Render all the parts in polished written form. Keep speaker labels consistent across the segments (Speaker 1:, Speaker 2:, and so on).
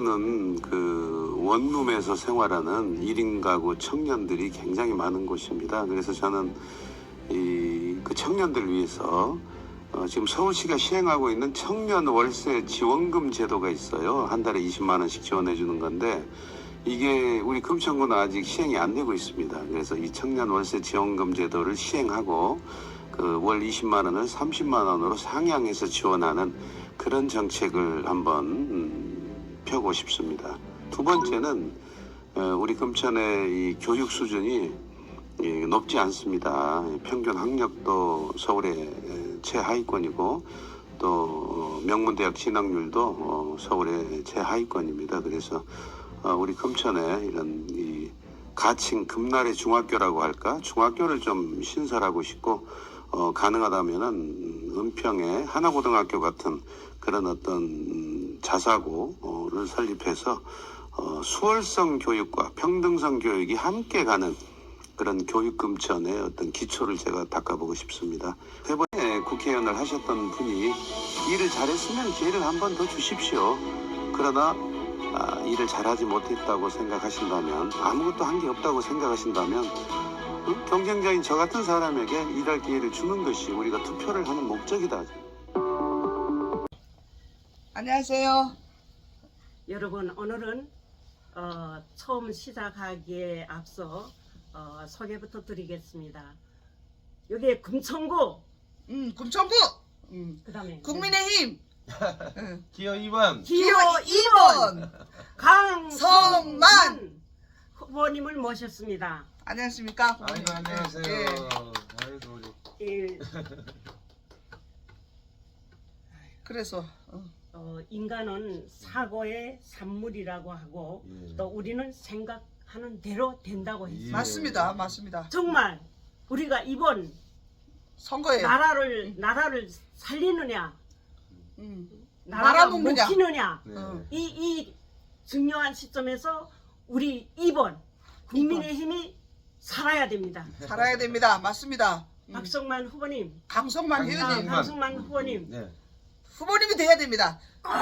Speaker 1: 금천구는 그 원룸에서 생활하는 1인 가구 청년들이 굉장히 많은 곳입니다. 그래서 저는 그 청년들 위해서 지금 서울시가 시행하고 있는 청년 월세 지원금 제도가 있어요. 한 달에 20만 원씩 지원해 주는 건데 이게 우리 금천구는 아직 시행이 안 되고 있습니다. 그래서 이 청년 월세 지원금 제도를 시행하고 그 월 20만 원을 30만 원으로 상향해서 지원하는 그런 정책을 한번 펴고 싶습니다. 두 번째는 우리 금천의 이 교육 수준이 높지 않습니다. 평균 학력도 서울의 최하위권이고 또 명문대학 진학률도 서울의 최하위권입니다. 그래서 우리 금천에 이런 이 가칭 금날의 중학교라고 할까? 중학교를 좀 신설하고 싶고 가능하다면은 은평의 하나고등학교 같은 그런 어떤 자사고를 설립해서 수월성 교육과 평등성 교육이 함께 가는 그런 교육금천의 어떤 기초를 제가 닦아보고 싶습니다. 세 번에 국회의원을 하셨던 분이 일을 잘했으면 기회를 한 번 더 주십시오. 그러나 일을 잘하지 못했다고 생각하신다면, 아무것도 한 게 없다고 생각하신다면 경쟁자인 저 같은 사람에게 일할 기회를 주는 것이 우리가 투표를 하는 목적이다.
Speaker 2: 안녕하세요.
Speaker 3: 여러분, 오늘은 처음 시작하기에 앞서 소개부터 드리겠습니다. 여기 금천구,
Speaker 2: 금천구,
Speaker 3: 그다음에
Speaker 2: 국민의힘,
Speaker 4: 기호 2번
Speaker 3: 기호 2번 강성만 후보님을 모셨습니다.
Speaker 2: 안녕하십니까?
Speaker 4: 아이고 안녕하세요.
Speaker 2: 예.
Speaker 4: 아이고 우리
Speaker 2: 그래서
Speaker 3: 인간은 사고의 산물이라고 하고
Speaker 4: 예.
Speaker 3: 또 우리는 생각하는 대로 된다고 했습니다.
Speaker 4: 예.
Speaker 2: 맞습니다, 맞습니다.
Speaker 3: 정말 우리가 이번
Speaker 2: 선거에
Speaker 3: 나라를 살리느냐, 나라가
Speaker 2: 말아먹느냐.
Speaker 3: 먹히느냐,
Speaker 4: 네.
Speaker 3: 이 중요한 시점에서 우리 2번 국민의힘이 살아야 됩니다.
Speaker 2: 살아야 됩니다. 맞습니다.
Speaker 3: 박성만 후보님,
Speaker 2: 강성만 의원님,
Speaker 3: 강성만 후보님
Speaker 4: 네.
Speaker 2: 후보님이 돼야 됩니다.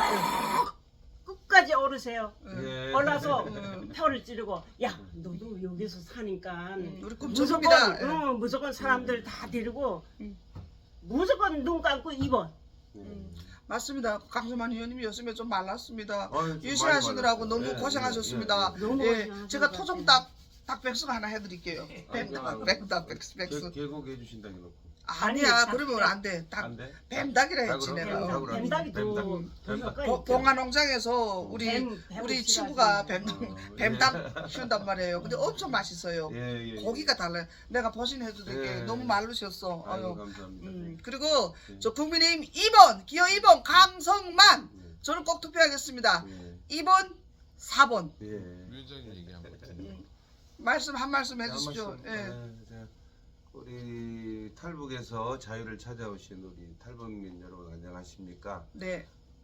Speaker 3: 끝까지 오르세요.
Speaker 4: 예.
Speaker 3: 올라서 표를 찌르고, 야, 너도 여기서 사니까
Speaker 2: 우리
Speaker 3: 무조건
Speaker 2: 금천구입니다.
Speaker 3: 무조건 사람들 다 데리고 무조건 눈 감고 2번.
Speaker 2: 맞습니다. 강성만 의원님이었으면 좀 말랐습니다.
Speaker 4: 좀
Speaker 2: 유신하시느라고
Speaker 4: 많이
Speaker 2: 너무
Speaker 4: 말랐어요.
Speaker 2: 고생하셨습니다.
Speaker 3: 예. 너무
Speaker 2: 예,
Speaker 3: 고생하셨어요.
Speaker 2: 제가 토종닭 백숙 하나 해드릴게요. 닭 백숙.
Speaker 4: 계곡 해주신다고 놓고
Speaker 2: 아니야,
Speaker 3: 아니,
Speaker 2: 그러면 안 돼.
Speaker 4: 안 돼?
Speaker 2: 뱀닭이라 했지
Speaker 4: 닭으로?
Speaker 2: 내가.
Speaker 4: 닭으로 하지.
Speaker 3: 뱀닭이 더
Speaker 4: 뱀닭.
Speaker 3: 효과가 있죠.
Speaker 2: 봉화농장에서 우리
Speaker 3: 뱀을
Speaker 2: 친구가
Speaker 3: 싫어하시는데.
Speaker 2: 뱀닭 키운단 말이에요. 근데 엄청 맛있어요.
Speaker 4: 예, 예.
Speaker 2: 고기가 달라요. 내가 버신해드릴게.
Speaker 4: 예.
Speaker 2: 너무 마르셨어.
Speaker 4: 아유
Speaker 2: 아유.
Speaker 4: 감사합니다.
Speaker 2: 그리고
Speaker 4: 예.
Speaker 2: 저 국민의힘 2번 기호 2번 강성만 저는 꼭 투표하겠습니다.
Speaker 4: 예.
Speaker 2: 2번 4번
Speaker 4: 예.
Speaker 5: 위원장님 얘기한 것 같은데.
Speaker 2: 말씀 한 말씀 해주십시오.
Speaker 4: 한 말씀.
Speaker 2: 예.
Speaker 4: 자, 우리 탈북에서 자유를 찾아오신 우리 탈북민 여러분 안녕하십니까?
Speaker 2: 네.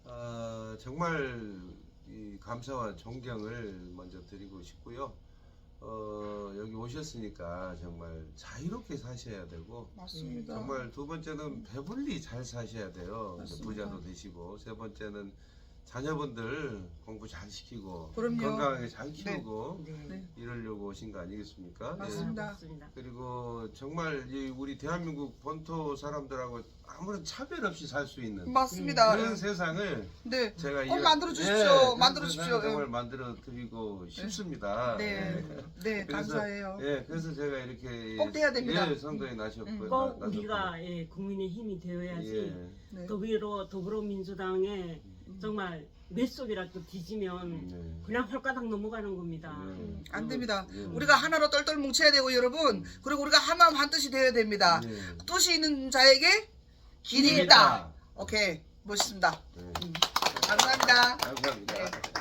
Speaker 4: 정말 이 감사와 존경을 먼저 드리고 싶고요. 여기 오셨으니까 정말 자유롭게 사셔야 되고
Speaker 2: 맞습니다.
Speaker 4: 정말 두 번째는 배불리 잘 사셔야 돼요.
Speaker 2: 맞습니다.
Speaker 4: 부자도 되시고 세 번째는 자녀분들 공부 잘 시키고
Speaker 2: 그럼요.
Speaker 4: 건강하게 잘 키우고
Speaker 3: 네.
Speaker 4: 이러려고 오신 거 아니겠습니까?
Speaker 2: 맞습니다.
Speaker 3: 맞습니다.
Speaker 4: 그리고 정말 이 우리 대한민국 본토 사람들하고 아무런 차별 없이 살 수 있는
Speaker 2: 맞습니다.
Speaker 4: 그런 세상을
Speaker 2: 네.
Speaker 4: 제가
Speaker 2: 꼭 만들어 주십시오.
Speaker 4: 그런
Speaker 2: 만들어 주십시오.
Speaker 4: 세상을 정말 만들어 드리고 싶습니다.
Speaker 2: 네. 네.
Speaker 4: 그래서,
Speaker 2: 감사해요.
Speaker 4: 예, 그래서 제가 이렇게
Speaker 2: 꼭 돼야 됩니다.
Speaker 4: 예, 선거에 나셨고
Speaker 3: 꼭 우리가 국민의 힘이 되어야지.
Speaker 4: 예.
Speaker 2: 네.
Speaker 3: 더불어민주당에 정말 맷속이라도 뒤지면
Speaker 4: 네.
Speaker 3: 그냥 홀가닥 넘어가는 겁니다.
Speaker 2: 안 됩니다.
Speaker 4: 예.
Speaker 2: 우리가 하나로 똘똘 뭉쳐야 되고 여러분. 그리고 우리가 한마음 한뜻이 되어야 됩니다.
Speaker 4: 예.
Speaker 2: 뜻이 있는 자에게 길이
Speaker 4: 길이
Speaker 2: 있다.
Speaker 4: 있다.
Speaker 2: 오케이. 멋있습니다.
Speaker 4: 예.
Speaker 2: 감사합니다.
Speaker 4: 감사합니다.
Speaker 2: 네.